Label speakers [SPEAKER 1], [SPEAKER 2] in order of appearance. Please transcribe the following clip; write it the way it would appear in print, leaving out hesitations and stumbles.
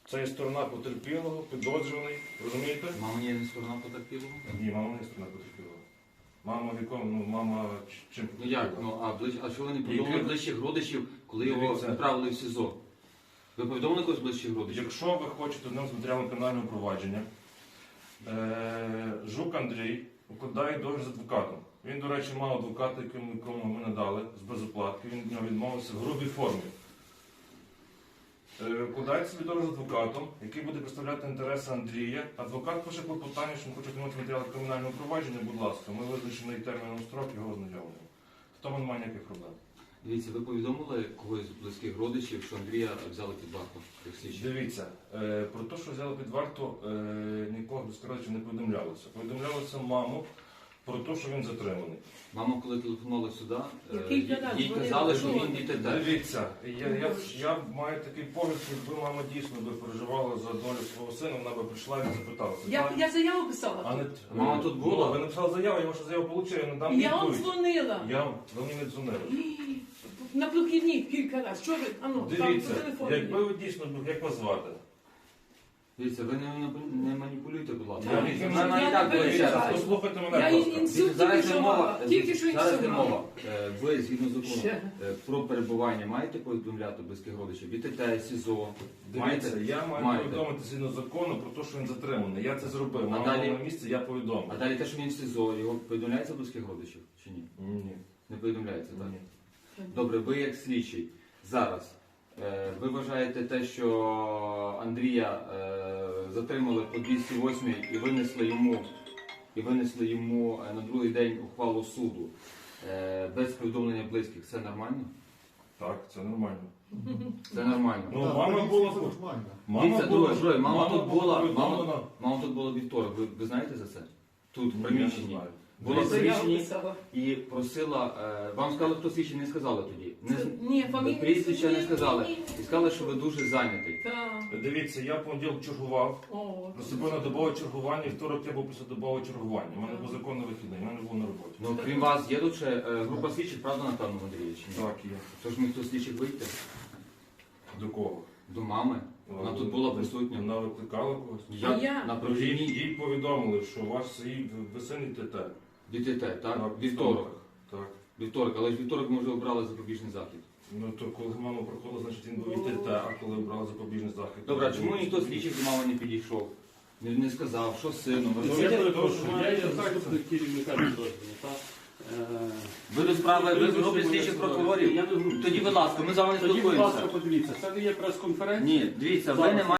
[SPEAKER 1] Це є сторона потерпілого, підозрюваний, розумієте?
[SPEAKER 2] Мама є не сторона потерпілого?
[SPEAKER 1] Ні, мама не сторона потерпілого. Мама віком, ну мама чим
[SPEAKER 2] Ну як? А що ви не повідомили
[SPEAKER 1] Які-
[SPEAKER 2] ближчих родичів, коли його
[SPEAKER 1] Дивіться.
[SPEAKER 2] відправили в СІЗО? Ви повідомили когось ближчих родичів?
[SPEAKER 1] Якщо ви хочете одним з матеріалом кримінального провадження, Жук Андрій укладає договір з адвокатом. Він, до речі, мав адвоката, якому ми надали з безоплатки, він від нього відмовився в грубій формі. Укладає собі договір з адвокатом, який буде представляти інтереси Андрія. Адвокат пише клопотання, що він хоче отримати матеріали кримінального провадження, будь ласка, ми визначений терміном строк його ознайомлюємо. В тому немає ніяких проблем.
[SPEAKER 2] Дивіться, ви повідомили когось з близьких родичів, що Андрія взяли під варту як слідчі?
[SPEAKER 1] Дивіться, про те, що взяли під варту, нікого без родичів не повідомлялося. Повідомлялося маму про те, що він затриманий.
[SPEAKER 2] Мама, коли телефонувала сюди,
[SPEAKER 3] Який канал?
[SPEAKER 2] їй казали, що він ДТТ.
[SPEAKER 1] Дивіться, я маю такий погляд, якби мама дійсно би переживала за долю свого сина, вона би прийшла і запиталася.
[SPEAKER 3] Я заяву писала.
[SPEAKER 1] А не,
[SPEAKER 2] Мама тут була?
[SPEAKER 1] Ви написали заяву, я вашу заяву отримав, я не дам
[SPEAKER 3] Я вам
[SPEAKER 1] відповідь.
[SPEAKER 3] дзвонила.
[SPEAKER 1] Ви мені не дзвонили.
[SPEAKER 3] На прохідні кілька разів. Що ви? Ану, там
[SPEAKER 1] Дивіться,
[SPEAKER 3] по телефону.
[SPEAKER 1] якби ви дійсно, як вас звати?
[SPEAKER 2] Дивіться, ви не маніпулюйте, будь ласка.
[SPEAKER 1] Я
[SPEAKER 2] Дивіться,
[SPEAKER 1] не
[SPEAKER 2] вона і так буде ще раз.
[SPEAKER 3] маніпулюю.
[SPEAKER 1] Послухайте мене,
[SPEAKER 3] Я
[SPEAKER 1] будь ласка.
[SPEAKER 3] інсульт
[SPEAKER 2] Дивіться, зараз
[SPEAKER 3] тільки
[SPEAKER 2] йде
[SPEAKER 3] що
[SPEAKER 2] мова,
[SPEAKER 3] мала. Тільки що
[SPEAKER 2] зараз йде
[SPEAKER 3] інсульт
[SPEAKER 2] мова.
[SPEAKER 3] мала.
[SPEAKER 2] Ви, згідно закону,
[SPEAKER 3] Ще.
[SPEAKER 2] про перебування маєте повідомляти близьких родичів? ДТТ, СІЗО?
[SPEAKER 1] Дивіться, я маю
[SPEAKER 2] Маєте.
[SPEAKER 1] повідомити згідно закону про те, що він затриманий. Я це зробив.
[SPEAKER 2] А
[SPEAKER 1] Мама
[SPEAKER 2] далі?
[SPEAKER 1] була на місці, я повідомив.
[SPEAKER 2] А далі те, що він в СІЗО, його повідомляється близьких родичів чи ні?
[SPEAKER 1] Ні.
[SPEAKER 2] Не повідомляється, так?
[SPEAKER 1] Ні.
[SPEAKER 2] Добре, ви як слідчий зараз, ви вважаєте те, що Андрія затримали по 208 і винесли йому на другий день ухвалу суду без повідомлення близьких, це нормально?
[SPEAKER 1] Так, це нормально.
[SPEAKER 2] Це нормально.
[SPEAKER 1] Ну, мама була
[SPEAKER 2] Дивіться, друге, мама тут була,
[SPEAKER 1] повідомлена.
[SPEAKER 2] мама тут була вівторок, ви знаєте за це? Тут, в
[SPEAKER 1] Ні,
[SPEAKER 2] приміщенні.
[SPEAKER 1] я не знаю.
[SPEAKER 2] Була в
[SPEAKER 3] Заяву
[SPEAKER 2] приміщенні
[SPEAKER 3] писала.
[SPEAKER 2] і просила, вам сказали, хто слідчий, не сказали тоді.
[SPEAKER 3] Ні, фамілію.
[SPEAKER 2] Прізвища не сказали. І сказали, що ви дуже зайнятий.
[SPEAKER 3] Так.
[SPEAKER 1] Дивіться, я в понеділок чергував.
[SPEAKER 3] О,
[SPEAKER 1] Наступив на добове чергування, і вівторок я був після добового чергування. У мене був законний вихідний, у мене був на роботі.
[SPEAKER 2] Ну, крім вас, є тут ще група слідчих, правда, напевно, Андрій, чи ні?
[SPEAKER 1] Так, є.
[SPEAKER 2] Тож ми хто слідчих вийти?
[SPEAKER 1] До кого?
[SPEAKER 2] До мами. Вона тут була присутня.
[SPEAKER 1] Вона викликала когось?
[SPEAKER 3] А я?
[SPEAKER 2] На
[SPEAKER 1] Їй,
[SPEAKER 2] прохідній
[SPEAKER 1] їй повідомили, що ваш ви син ТТ.
[SPEAKER 2] ДТТ, так? Вівторок.
[SPEAKER 1] Так.
[SPEAKER 2] Вівторок, але ж вівторок ми вже обрали запобіжний захід.
[SPEAKER 1] Ну то коли мама проходила, значить він був і ТТ, а коли брали запобіжний захід.
[SPEAKER 2] Добре, а чому ніхто слідчих до мами не підійшов? Не сказав, що з сином?
[SPEAKER 1] Ну, я перепрошую, я є
[SPEAKER 4] заступник керівника підрозділу.
[SPEAKER 2] Ви до справи, ви в групі слідчих прокурорів?
[SPEAKER 4] Я до групи.
[SPEAKER 2] Тоді, будь ласка, ми з вами не
[SPEAKER 4] Тоді, будь ласка,
[SPEAKER 2] спілкуємося.
[SPEAKER 4] подивіться, це не є прес-конференція.
[SPEAKER 2] Ні, дивіться, ви не